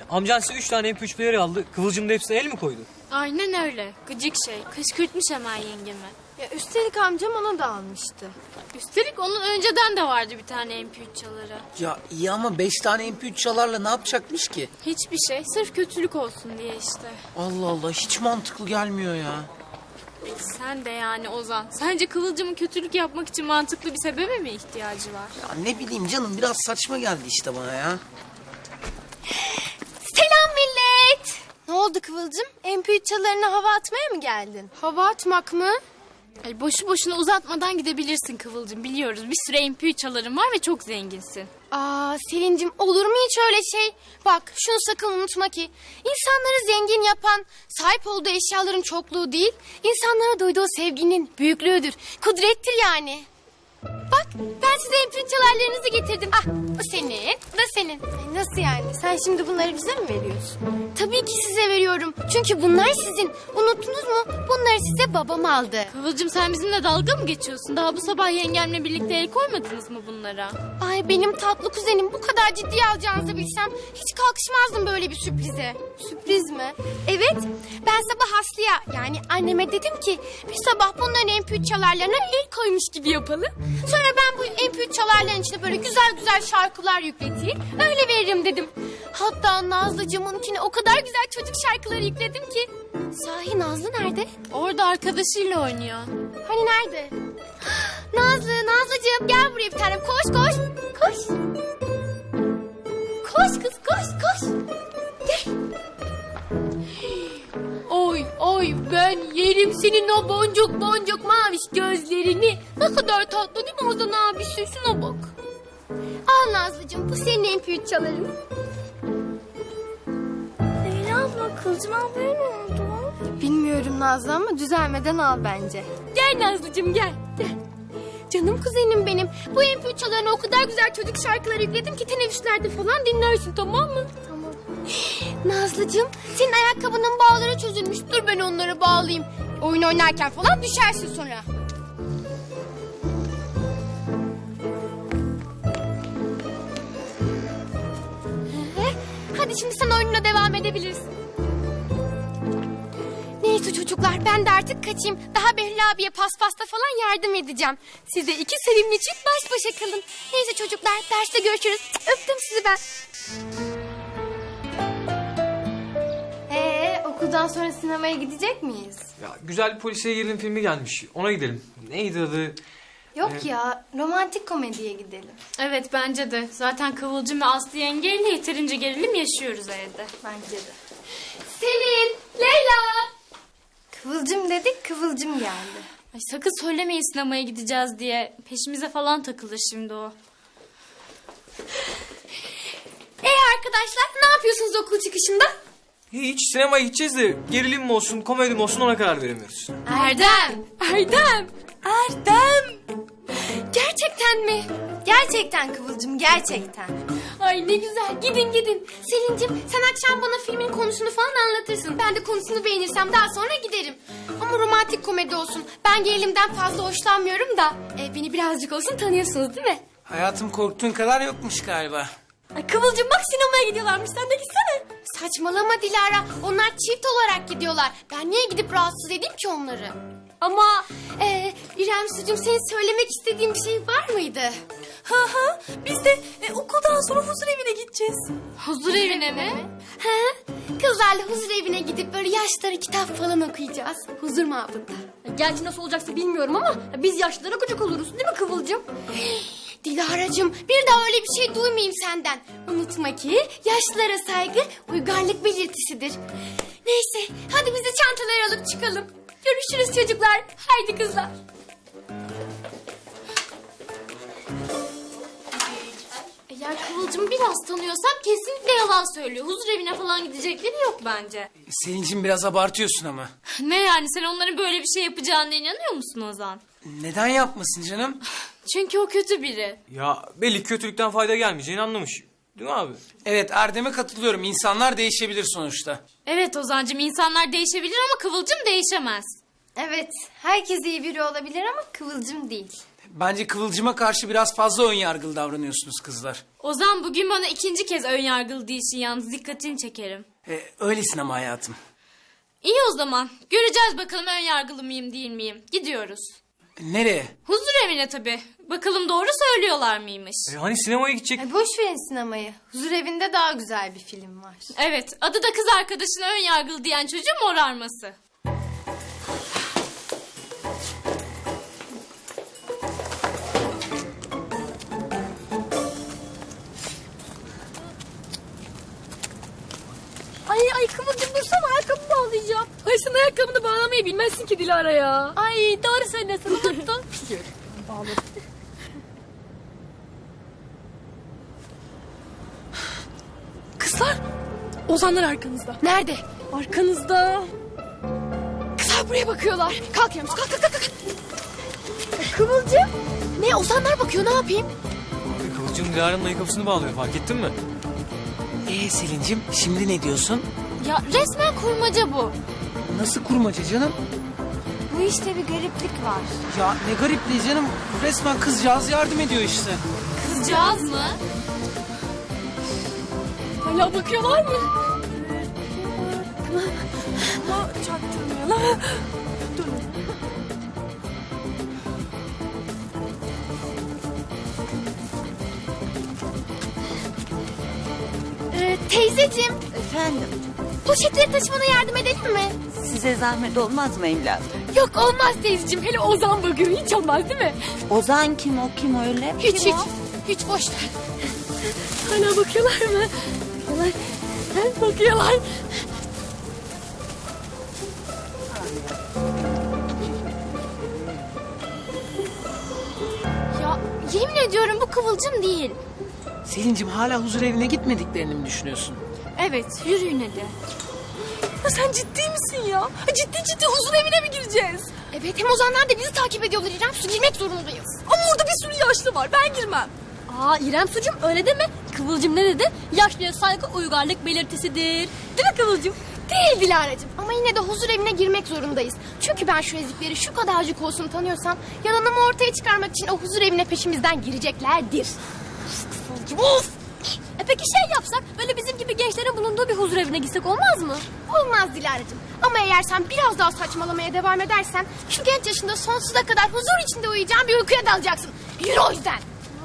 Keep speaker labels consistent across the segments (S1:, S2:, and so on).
S1: Amcan size 3 tane MP3 player aldı. Kıvılcım da hepsine el mi koydu?
S2: Aynen öyle. Gıcık şey. Kışkırtmış hemen yengemi.
S3: Ya üstelik amcam onu da almıştı.
S2: Üstelik onun önceden de vardı bir tane MP3 çaları.
S4: Ya iyi ama 5 tane MP3 çalarla ne yapacakmış ki?
S2: Hiçbir şey. Sırf kötülük olsun diye işte.
S4: Allah Allah, hiç mantıklı gelmiyor ya.
S2: Sen de yani Ozan. Sence Kıvılcım'ın kötülük yapmak için mantıklı bir sebebe mi ihtiyacı var?
S4: Ya ne bileyim canım, biraz saçma geldi işte bana ya.
S3: Selam millet. Ne oldu Kıvılcım? MP3 çalarına hava atmaya mı geldin? Hava atmak mı?
S2: Ay boşu boşuna uzatmadan gidebilirsin Kıvılcım. Biliyoruz bir sürü MP3 çaların var ve çok zenginsin.
S3: Aa Selin'cim, olur mu hiç öyle şey? Bak şunu sakın unutma ki insanları zengin yapan sahip olduğu eşyaların çokluğu değil, insanlara duyduğu sevginin büyüklüğüdür, kudrettir yani. Bak ben size MP3 çalarlarınızı getirdim. Ah bu senin, bu da senin. Ay, nasıl yani? Sen şimdi bunları bize mi veriyorsun? Tabii ki size veriyorum. Çünkü bunlar sizin. Unuttunuz mu? Bunları size babam aldı.
S2: Kıvılcım sen bizimle dalga mı geçiyorsun? Daha bu sabah yengemle birlikte el koymadınız mı bunlara?
S3: Ay benim tatlı kuzenim, bu kadar ciddiye alacağınızı bilsem hiç kalkışmazdım böyle bir sürprize. Sürpriz mi? Evet, ben sabah Aslı'ya yani anneme dedim ki bir sabah bunların MP3 çalarlarına el koymuş gibi yapalım. Sonra ben bu MP3 çalarların içine böyle güzel güzel şarkılar yükleteyim, öyle veririm dedim. Hatta Nazlıcığımınkine o kadar güzel çocuk şarkıları yükledim ki. Sahi Nazlı nerede?
S2: Orada arkadaşıyla oynuyor.
S3: Hani nerede? Nazlıcığım gel buraya bir tanem. Koş koş. Koş. Koş kız koş koş. Gel.
S2: Oy oy ben yerim senin o boncuk boncuk maviş gözlerini. Ne kadar tatlı değil mi Ozan abisi? Şuna bak.
S3: Al Nazlıcığım, bu senin MP3 çaların.
S5: Leyla abla, Kıvılcım ablaya ne oldu?
S3: Bilmiyorum Nazlı ama düzelmeden al bence.
S2: Gel Nazlıcığım gel.
S3: Canım kuzenim benim. Bu MP3 çalarına o kadar güzel çocuk şarkıları yükledim ki teneffüslerde falan dinlersin, tamam mı?
S5: Tamam.
S3: Nazlıcığım, senin ayakkabının bağları çözülmüş. Dur ben onları bağlayayım. Oyun oynarken falan düşersin sonra. Hadi şimdi sen oyununa devam edebilirsin. Neyse çocuklar, ben de artık kaçayım. Daha Behlül abiye paspasta falan yardım edeceğim. Size iki sevimli çift baş başa kalın. Neyse çocuklar, derste görüşürüz. Öptüm sizi ben. Okuldan sonra sinemaya gidecek miyiz?
S1: Ya güzel bir polisiye gerilim filmi gelmiş. Ona gidelim. Neydi adı?
S3: Yok ya, romantik komediye gidelim.
S2: Evet bence de. Zaten Kıvılcım ve Aslı yengeyle yeterince gerilim yaşıyoruz evde.
S3: Bence de. Selin, Leyla. Kıvılcım dedik, Kıvılcım geldi.
S2: Ay sakın söylemeyin sinemaya gideceğiz diye. Peşimize falan takılır şimdi o.
S3: Arkadaşlar, ne yapıyorsunuz okul çıkışında?
S1: Hiç sinemaya gideceğiz de gerilim mi olsun, komedi mi olsun ona karar veremiyoruz.
S3: Erdem. Gerçekten mi? Gerçekten Kıvılcım, gerçekten. Ay ne güzel, gidin. Selin'cim sen akşam bana filmin konusunu falan anlatırsın. Ben de konusunu beğenirsem daha sonra giderim. Ama romantik komedi olsun. Ben gerilimden fazla hoşlanmıyorum da. Beni birazcık olsun tanıyorsunuz değil mi?
S4: Hayatım, korktuğun kadar yokmuş galiba.
S3: Ay Kıvılcım bak sinemaya gidiyorlarmış, sen de gitsene. Saçmalama Dilara, onlar çift olarak gidiyorlar. Ben niye gidip rahatsız edeyim ki onları? Ama İrem Sucuğum, senin söylemek istediğin bir şey var mıydı? Biz de okuldan sonra huzur evine gideceğiz.
S2: Huzur evine mi?
S3: Kızlarla huzur evine gidip böyle yaşları kitap falan okuyacağız. Huzur mabında.
S5: Gerçi nasıl olacaksa bilmiyorum ama biz yaşlılara gıcık oluruz değil mi Kıvılcım?
S3: Dilara'cığım, bir daha öyle bir şey duymayayım senden. Unutma ki yaşlılara saygı uygarlık belirtisidir. Neyse, hadi biz de çantaları alıp çıkalım. Görüşürüz çocuklar. Haydi kızlar.
S2: Eğer Kıvılcım'ı biraz tanıyorsam kesinlikle yalan söylüyor. Huzur evine falan gidecekleri yok bence.
S4: Selin'cim biraz abartıyorsun ama.
S2: Ne yani sen onların böyle bir şey yapacağına inanıyor musun Ozan?
S4: Neden yapmasın canım?
S2: Çünkü o kötü biri.
S1: Ya belli kötülükten fayda gelmeyeceğini anlamış. Değil mi abi?
S4: Evet, Erdem'e katılıyorum. İnsanlar değişebilir sonuçta.
S2: Evet Ozan'cığım insanlar değişebilir ama Kıvılcım değişemez.
S3: Evet, herkes iyi biri olabilir ama Kıvılcım değil.
S4: Bence Kıvılcım'a karşı biraz fazla önyargılı davranıyorsunuz kızlar.
S2: Ozan bugün bana ikinci kez ön yargılı değilsin yalnız dikkatini çekerim.
S4: Öylesin ama hayatım.
S2: İyi o zaman. Göreceğiz bakalım ön yargılı mıyım değil miyim. Gidiyoruz.
S4: Nereye?
S2: Huzur evine tabii. Bakalım doğru söylüyorlar mıymış?
S1: Hani sinemaya gidecek?
S3: Ay boş verin sinemayı. Huzur evinde daha güzel bir film var.
S2: Evet, adı da kız arkadaşına ön yargılı diyen çocuğun morarması.
S5: Ay Kıvılcım dursana ayakkabımı bağlayacağım. Ay sen ayakkabını bağlamayı bilmezsin ki Dilara ya. Ay doğru söylüyorsun unuttun. Kızlar Ozanlar arkanızda.
S3: Nerede?
S5: Arkanızda.
S3: Kızlar buraya bakıyorlar. Kalk Yağmur kalk kalk kalk. kalk.
S5: Kıvılcım.
S3: Ne Ozanlar bakıyor ne yapayım?
S1: Kıvılcım Dilara'nın ayakkabısını bağlıyor, fark ettin mi?
S4: Selin'cim şimdi ne diyorsun?
S2: Ya resmen kurmaca bu.
S4: Nasıl kurmaca canım?
S3: Bu işte bir gariplik var.
S4: Ya ne garipliği canım. Resmen kızcağız yardım ediyor işte.
S2: Kızcağız mı?
S5: Hala bakıyorlar mı? Ama çaktırmıyorlar. Dur.
S3: Teyzeciğim
S6: Efendim,
S3: poşetleri taşımana yardım edelim mi?
S6: size zahmet olmaz mı evladım?
S3: Yok olmaz teyzeciğim.
S5: Hele Ozan bakıyor hiç olmaz değil mi?
S6: Ozan kim o, kim öyle?
S3: Hiç
S6: Kim
S3: hiç.
S6: o?
S3: Hiç boş ver.
S5: Hala bakıyorlar mı? Bakıyorlar.
S3: Ya yemin ediyorum bu Kıvılcım değil.
S4: Selin'cim hala huzur evine gitmediklerini mi düşünüyorsun?
S2: Evet, yürüyün hadi.
S5: Ya sen ciddi misin ya? Ciddi huzur evine mi gireceğiz?
S3: Evet hem Ozanlar da bizi takip ediyorlar İrem. Su girmek zorundayız.
S5: Ama orada bir sürü yaşlı var. Ben girmem. Aa İrem sucum öyle deme. Kıvılcım ne dedi? Yaşlıya saygı uygarlık belirtisidir. Değil mi Kıvılcım?
S3: Değil Dilara'cığım ama yine de huzur evine girmek zorundayız. Çünkü ben şu ezikleri şu kadarcık olsun tanıyorsam yalanımı ortaya çıkarmak için o huzur evine peşimizden gireceklerdir.
S5: Of! Peki şey yapsak böyle bizim gibi gençlerin bulunduğu bir huzur evine gitsek olmaz mı?
S3: Olmaz Dilara'cığım ama eğer sen biraz daha saçmalamaya devam edersen şu genç yaşında sonsuza kadar huzur içinde uyuyacağın bir uykuya dalacaksın. Yürü o yüzden.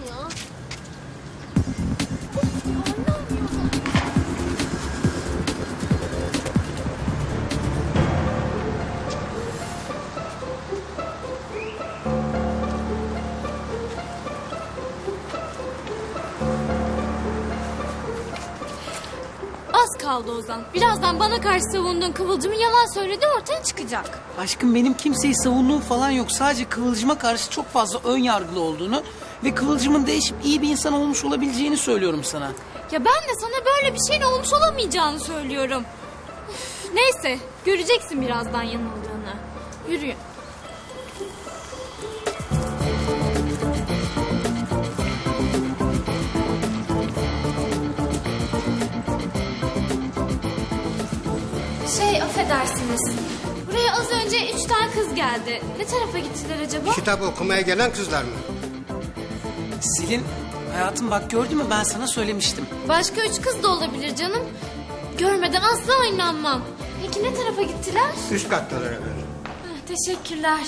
S2: Az kaldı Ozan. Birazdan bana karşı savunduğun Kıvılcım'ın yalan söylediği ortaya çıkacak.
S4: Aşkım benim kimseyi savunduğum falan yok. Sadece Kıvılcım'a karşı çok fazla ön yargılı olduğunu ve Kıvılcım'ın değişip iyi bir insan olmuş olabileceğini söylüyorum sana.
S2: Ya ben de sana böyle bir şeyin olmuş olamayacağını söylüyorum. Üf, neyse, göreceksin birazdan yanıldığını. Yürüyün. Affedersiniz. Buraya az önce 3 tane kız geldi. Ne tarafa gittiler acaba?
S7: Kitap okumaya gelen kızlar mı?
S4: Selin, hayatım bak gördün mü ben sana söylemiştim.
S2: Başka 3 kız da olabilir canım. Görmeden asla inanmam. Peki ne tarafa gittiler?
S7: Üst kattalar efendim.
S2: Teşekkürler.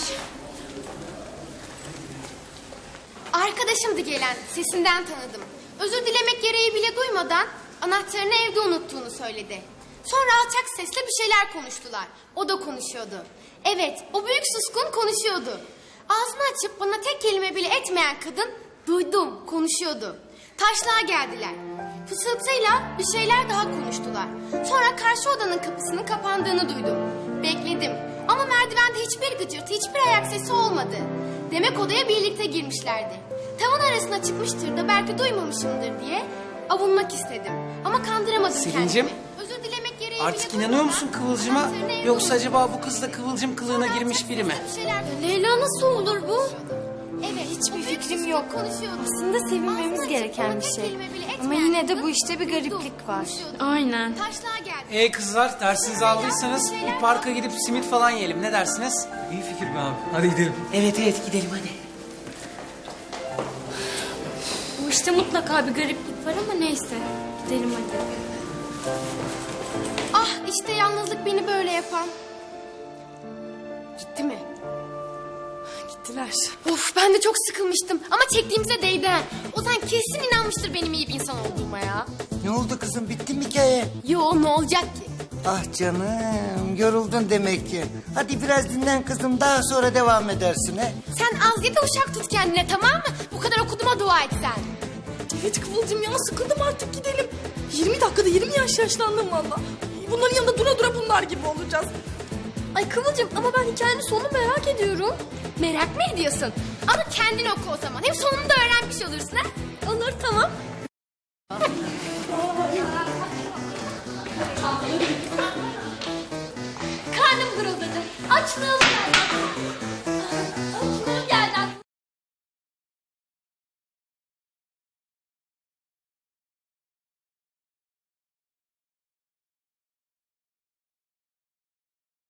S3: Arkadaşımdı gelen. Sesinden tanıdım. Özür dilemek gereği bile duymadan anahtarını evde unuttuğunu söyledi. Sonra alçak sesle bir şeyler konuştular. O da konuşuyordu. Evet, o büyük suskun konuşuyordu. Ağzını açıp bana tek kelime bile etmeyen kadın duydum, konuşuyordu. Taşlığa geldiler. Fısıltıyla bir şeyler daha konuştular. Sonra karşı odanın kapısının kapandığını duydum. Bekledim ama merdivende hiçbir gıcırtı, hiçbir ayak sesi olmadı. Demek odaya birlikte girmişlerdi. Tavan arasına çıkmıştır da belki duymamışımdır diye avunmak istedim. Ama kandıramadım
S4: Selin'cim,
S3: kendimi. Özür dilemek gereği
S4: artık
S3: bile
S4: inanıyor
S3: duymadan
S4: musun Kıvılcım'a?
S3: anahtarını evde
S4: Yoksa
S3: unuttum.
S4: acaba bu kız da Kıvılcım kılığına
S3: Sonra
S4: girmiş
S3: alçak
S4: biri mi?
S3: sesle bir şeyler
S2: Leyla nasıl olur bu?
S3: Evet,
S8: Hiçbir
S3: o büyük
S8: fikrim
S3: suskun
S8: yok.
S3: konuşuyordu.
S8: Aslında sevinmemiz
S3: Ağzını
S8: gereken
S3: açıp
S8: bir
S3: bana tek
S8: şey.
S3: kelime bile
S8: Ama
S3: etmeyen
S8: yine de
S3: kadın
S8: bu işte bir
S3: duydum,
S8: gariplik var.
S3: konuşuyordu.
S2: Aynen.
S3: Taşlığa geldi.
S4: Kızlar dersinizi aldıysanız bir parka gidip simit falan yiyelim ne dersiniz?
S1: İyi fikir be abi. Hadi gidelim.
S4: Evet gidelim hadi.
S2: İşte mutlaka bir gariplik var ama neyse. Gidelim hadi.
S3: Ah işte yalnızlık beni böyle yapan. Gitti mi?
S8: Gittiler.
S3: Of ben de çok sıkılmıştım ama çektiğimize değdi. Ha. Ozan kesin inanmıştır benim iyi bir insan olduğuma ya.
S9: Ne oldu kızım, bitti mi hikaye?
S3: Yo ne olacak ki?
S9: Ah canım, yoruldun demek ki. Hadi biraz dinlen kızım, daha sonra devam edersin he.
S3: Sen az ye de uşak tut kendine tamam mı? Bu kadar okuduğuma dua et sen.
S8: Evet Kıvılcım ya, sıkıldım artık, gidelim. 20 dakikada 20 yaş yaşlandım valla. Bunların yanında dura dura bunlar gibi olacağız.
S5: Ay Kıvılcım ama ben hikayenin sonunu merak ediyorum.
S3: Merak mı ediyorsun? Ama kendin oku o zaman. Hem sonunu da öğrenmiş olursun ha.
S5: Olur tamam.
S2: Karnım guruldadı. Açlığım geldi.